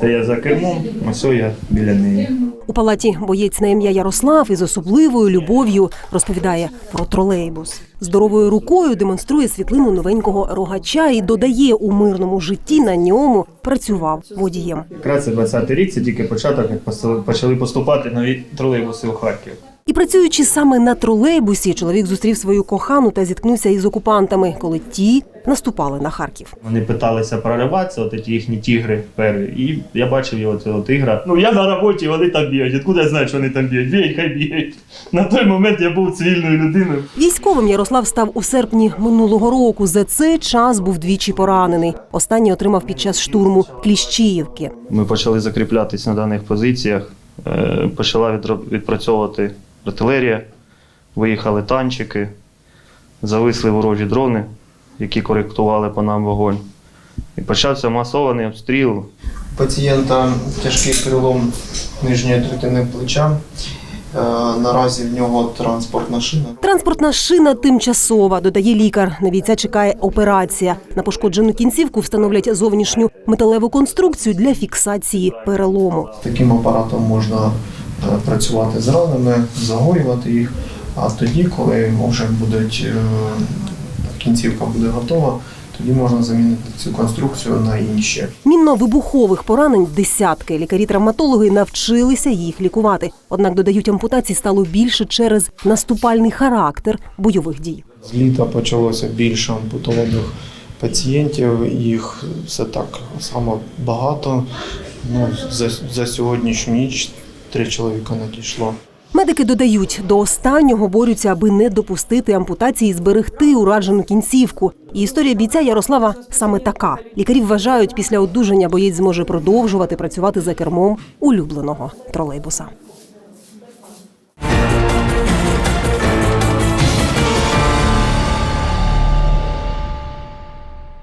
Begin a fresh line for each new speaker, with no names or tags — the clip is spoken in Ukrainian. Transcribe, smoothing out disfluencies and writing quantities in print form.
Це я за кермом, ось я біля неї.
У палаті боєць на ім'я Ярослав із особливою любов'ю розповідає про тролейбус. Здоровою рукою демонструє світлину новенького рогача і додає, у мирному житті на ньому працював водієм.
Якраз це 20-й рік, це тільки початок, як почали поступати нові тролейбуси у Харків.
І працюючи саме на тролейбусі, чоловік зустрів свою кохану та зіткнувся із окупантами, коли ті наступали на Харків.
Вони питалися прориватися, от ці їхні тігри перві, і я бачив його цього тигра. Ну я на роботі, вони там бігають. Откуда я знаю, що вони там бігають? Бігають, хай бігають. На той момент я був цивільною людиною.
Військовим Ярослав став у серпні минулого року. За цей час був двічі поранений. Останній отримав під час штурму Кліщіївки.
Ми почали закріплятися на даних позиціях, почала відпрацьовувати артилерія, виїхали танчики, зависли ворожі дрони, які коректували по нам вогонь. І почався масований обстріл.
У пацієнта тяжкий перелом нижньої третини плеча. Наразі в нього транспортна шина.
Транспортна шина тимчасова, додає лікар. На бійця чекає операція. На пошкоджену кінцівку встановлять зовнішню металеву конструкцію для фіксації перелому.
Таким апаратом можна працювати з ранами, загоювати їх. А тоді, коли вже кінцівка буде готова, тоді можна замінити цю конструкцію на інші.
Мінно-вибухових поранень десятки. Лікарі-травматологи навчилися їх лікувати. Однак, додають, ампутацій стало більше через наступальний характер бойових дій.
З літа почалося більше ампутованих пацієнтів. Їх все так само багато. За сьогоднішню ніч 3 чоловіка надійшло.
Медики додають, до останнього борються, аби не допустити ампутації і зберегти уражену кінцівку. І історія бійця Ярослава саме така. Лікарі вважають, після одужання боєць зможе продовжувати працювати за кермом улюбленого тролейбуса.